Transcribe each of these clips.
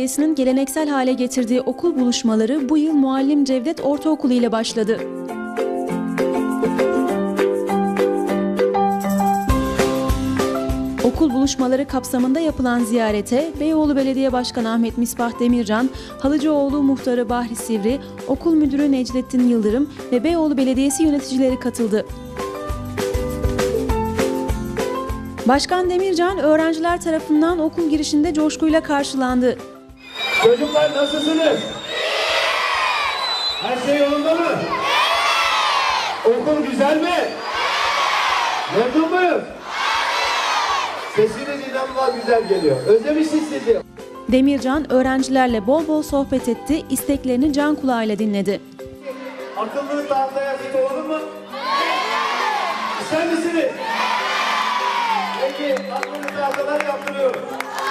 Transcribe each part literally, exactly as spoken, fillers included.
Belediyesi'nin geleneksel hale getirdiği okul buluşmaları bu yıl Muallim Cevdet Ortaokulu ile başladı. Okul buluşmaları kapsamında yapılan ziyarete Beyoğlu Belediye Başkanı Ahmet Misbah Demircan, Halıcıoğlu Muhtarı Bahri Sivri, Okul Müdürü Necdettin Yıldırım ve Beyoğlu Belediyesi yöneticileri katıldı. Başkan Demircan, öğrenciler tarafından okul girişinde coşkuyla karşılandı. Çocuklar nasılsınız? Her şey yolunda mı? Okul güzel mi? Memnun muyuz? Sesiniz inanılmaz güzel geliyor. Özlemişiz sizi. Demircan, öğrencilerle bol bol sohbet etti, isteklerini can kulağıyla dinledi. Akıllının tahtaya yazık olur mu? İster misiniz? Peki, aklınızı tahtalar yaptırıyoruz.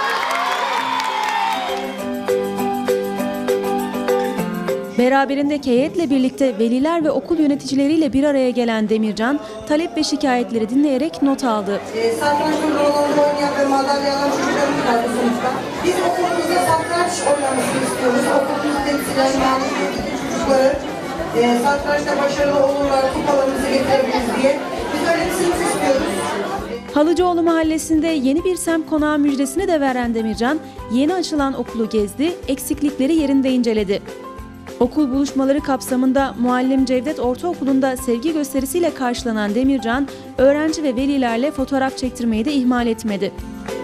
Beraberindeki heyetle birlikte veliler ve okul yöneticileriyle bir araya gelen Demircan, talep ve şikayetleri dinleyerek not aldı. E, satranç turnuvalarında oynayan ve madalya alan çocuklarımız var bu sınıfta. Biz okulumuzda satranç oynamasını istiyoruz. Okulumuzu temsilen yani çocukları e, satrançta başarılı olurlar, kupalarımızı getirebiliriz diye. Biz öyle bir sınıf istiyoruz. Halıcıoğlu Mahallesi'nde yeni bir semt konağı müjdesini de veren Demircan, yeni açılan okulu gezdi, eksiklikleri yerinde inceledi. Okul buluşmaları kapsamında Muallim Cevdet Ortaokulu'nda sevgi gösterisiyle karşılanan Demircan, öğrenci ve velilerle fotoğraf çektirmeyi de ihmal etmedi.